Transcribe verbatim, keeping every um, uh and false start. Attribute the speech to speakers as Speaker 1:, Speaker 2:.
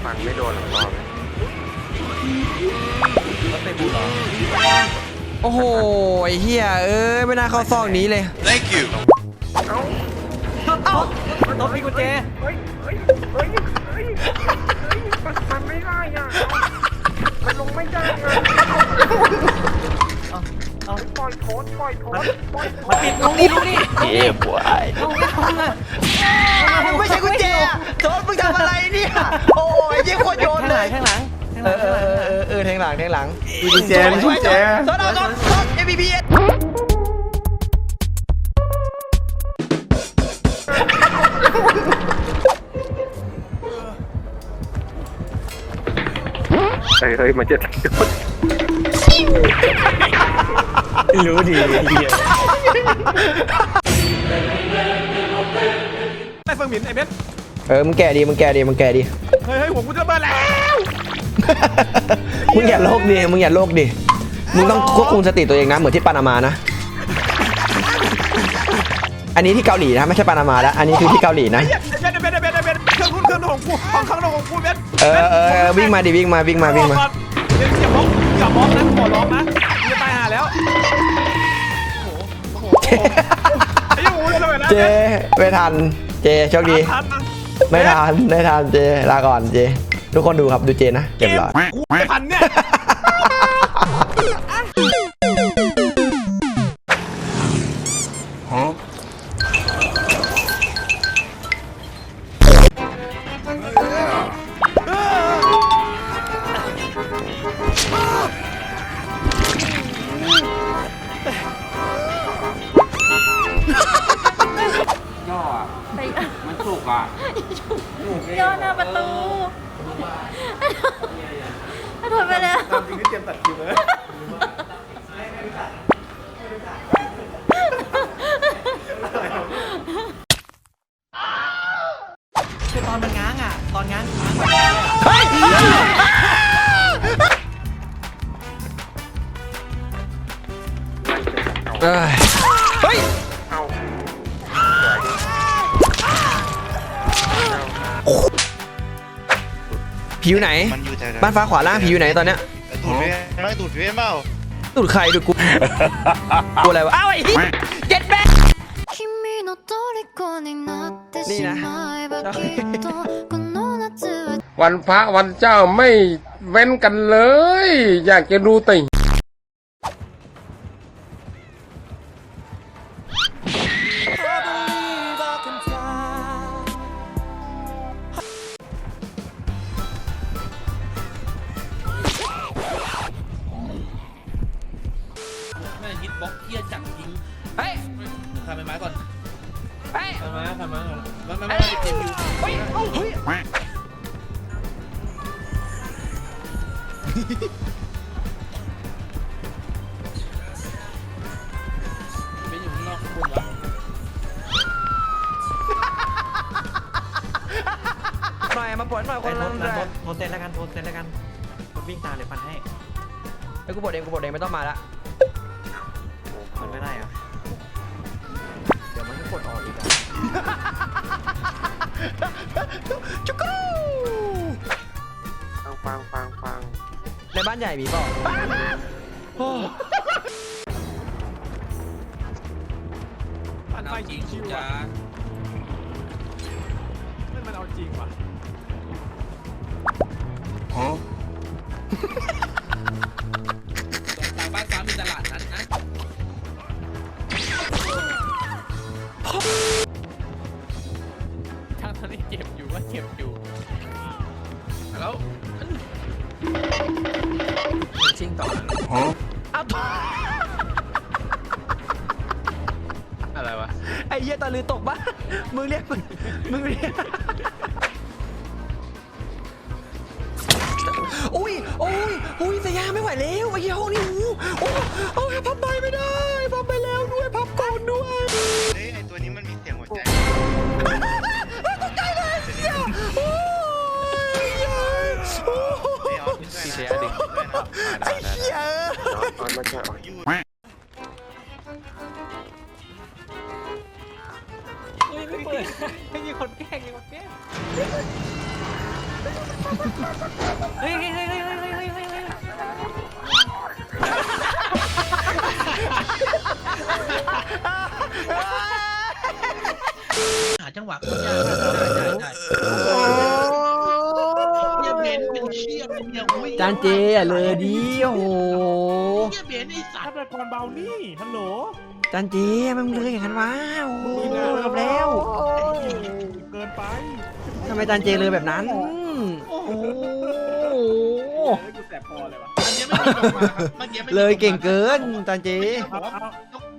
Speaker 1: ฟันไม่โดนหรอกรอบเลย
Speaker 2: ก็เตะบูหรอ
Speaker 3: โอ้โหไอ้เหี้ยเอ้ยไม่น่าเข้าซองนี้เลย
Speaker 4: thank you
Speaker 1: เอ้า
Speaker 2: เอ้าต้องมีกุญแจ
Speaker 1: เฮ้ยเฮ้ยเฮ้ยเฮ้ยมันมันไม่ได้อ่ะมันลงไม่ได้อ่ะ
Speaker 2: เอาเอา
Speaker 1: ปล่อยโทษปล่อยโทษปล่อยโท
Speaker 2: มัน
Speaker 1: ษ
Speaker 2: ติดลงนี่ลงนี่
Speaker 3: เจ็บปวด
Speaker 2: ลงไม่ลงอ่ะ
Speaker 3: ไม่ใช่กุญแจโจนมึงทำอะไรเนี่ยโอ้ยยิ่งโคตรโยนเลย
Speaker 2: ข้างหลัง
Speaker 3: เออเออเออเออเออแทงหลังแทงหลัง
Speaker 1: กุญแจกุญแจ
Speaker 3: โจนเอาโจนโจน เอ็ม วี พี เอส
Speaker 1: เฮ้ยเฮ้ยมันจะโดน
Speaker 2: รู้ดีเฮียไอ้เฟิงหมินไอ้เบส
Speaker 3: เออมึงแก่ดีมึงแก่ดีมึงแก่ดี
Speaker 2: เฮ้ยเฮ้ยหัวกูจะเบิร์แล้ว
Speaker 3: มึงอย่าโลกดิมึงอย่าโลกดิมึงต้องควบคุมสติตัวเองนะเหมือนที่ปานามานะอันนี้ที่เกาหลีนะไม่ใช่ปานามาแล้วอันนี้คือที่เกาหลีนะ
Speaker 2: เบสเบสเบสเบสเครื่องรุ่นเครื่องของกูห้องเครื่องของกูเบส
Speaker 3: เออเออวิ่งมาดิวิ่งมาวิ่งมาวิ่งมา
Speaker 2: เบสอย่ามองอย่ามองนะขอร้องนะจะตายหาแล้วไอ้ยังงูเลยนะ
Speaker 3: เจไม่ทันเจโชคดีไม่ทันไม่ทันเจลาก่อนเจทุกคนดูครับดูเจนะเก็บหลอด
Speaker 2: กูไม่ทันเนี่ย
Speaker 1: ย่ออ่ะมันสุกอ่ะ
Speaker 5: ย่อหน้าประตูถ้าถอยไปแล้ว
Speaker 2: จริงที่เตรียมตัดคิวเลยคือตอนมันง้างอ่ะตอนง้างง้าง
Speaker 3: เฮ้ยเฮ้ย
Speaker 1: เอา
Speaker 3: ผิวไหน
Speaker 4: มันอยู่แถวๆ
Speaker 3: บ้านฟ้าขวาล่างผิวไหนตอนเนี้ย
Speaker 4: ตูดเวียนร้อยตูดเวียนเปล่า
Speaker 3: ตูดใครดูกูกูอะไรวะอ้าวไอ้เจ็ดแม่
Speaker 5: 君の虜になってしまえばきっとこの夏は
Speaker 6: วันพระวันเจ้าไม่เว้นกันเลย อยากจะดูติ่ง
Speaker 2: ไม่ฮิตบล็อกเฮียจังจริง
Speaker 3: เฮ้ย
Speaker 2: ทำไม้ไม้ก่อน
Speaker 3: เฮ้ย
Speaker 2: ทำไม้ทำไม้ก่อนมันมันไม่เจ็บอยู่
Speaker 3: เฮ้ยเฮ้ย
Speaker 2: ไม่อยู่ข้างนอกข้างบนวะ
Speaker 3: หน่อยมาปวดหน่อยคนละแรง
Speaker 2: โทรเซ็นแล้วกันโทรเซ็นแล้วกันวิ่งตามเลยฟันให้
Speaker 3: ไอ้กูปวดเองกูปวดเองไม่ต้องมาละ
Speaker 2: มันไม่ได้อะ
Speaker 3: เดี๋ยวมันก็ปวดออกอีกอะจุกรู
Speaker 1: ฟังฟังฟังฟัง
Speaker 3: ในบ้านใหญ่มีเปล่าโอ้
Speaker 2: ฟันไฟจริงจ้านั่นมันเอาจริงว่ะทางบ้านฟ้ามีตลาดนัดนะทางตอนนี้เจ็บอยู่ว่าเจ็บอยู่แล้ว
Speaker 3: ชิงต่อเอาต่อ
Speaker 2: อะไรวะ
Speaker 3: ไอ้เหี้ยตะลือตกบ้านมึงเรียกมึงมึงเรียกอุ้ยโอ้ยอุ้ยสยามไม่ไหวแล้วไอ้เหี้ยห้องนี้หูโอ้โอ้ยพับไปไม่ได้พับไปแล้วด้วยพับก่อนด้วย
Speaker 4: เฮ้ยไอตัวนี้มันมีเสียงหัวใจ
Speaker 3: ตกใจเลยเหี้ยโอ้ยเหี้ยโอ้ย
Speaker 4: ไอออฟด้วยนะเสียดึงด้วยนะ
Speaker 3: ไอ้เหี้ย
Speaker 1: ตอนมันจะออก
Speaker 4: ยู
Speaker 2: เฮ้ยไม่เปิดไม่มีคนแกล้งมีคนแกล้ง
Speaker 3: ฮ้ยเฮ้ยเฮ้ยเฮ้ยเฮ้ยเฮ้ยเฮ้ยเฮ้ย
Speaker 7: หาจังหวะคนยากได้ได้ได้เฮียเบนเป็นเชี่ยเป็นเนี่ยโอ้ย
Speaker 3: จานเจอ่ะเลยดีโอ้โห
Speaker 7: เฮียเบนไอ้สัต
Speaker 1: ฆา
Speaker 7: ว์
Speaker 1: ตกรเบานี่ฮัลโหล
Speaker 3: จานเจมันเลยอย่างนั้นวะโอ้โหเกือบแล้ว
Speaker 1: เกินไป
Speaker 3: ทำไมจานเจเลยแบบนั้นโอ้โห
Speaker 1: กูแสบคอเลยวะ
Speaker 7: อันเนี้ยไม่มีลงมาครับเมื่อกี้ไม่มี
Speaker 3: เลยเก่งเกินจานเจ
Speaker 7: บอกว่า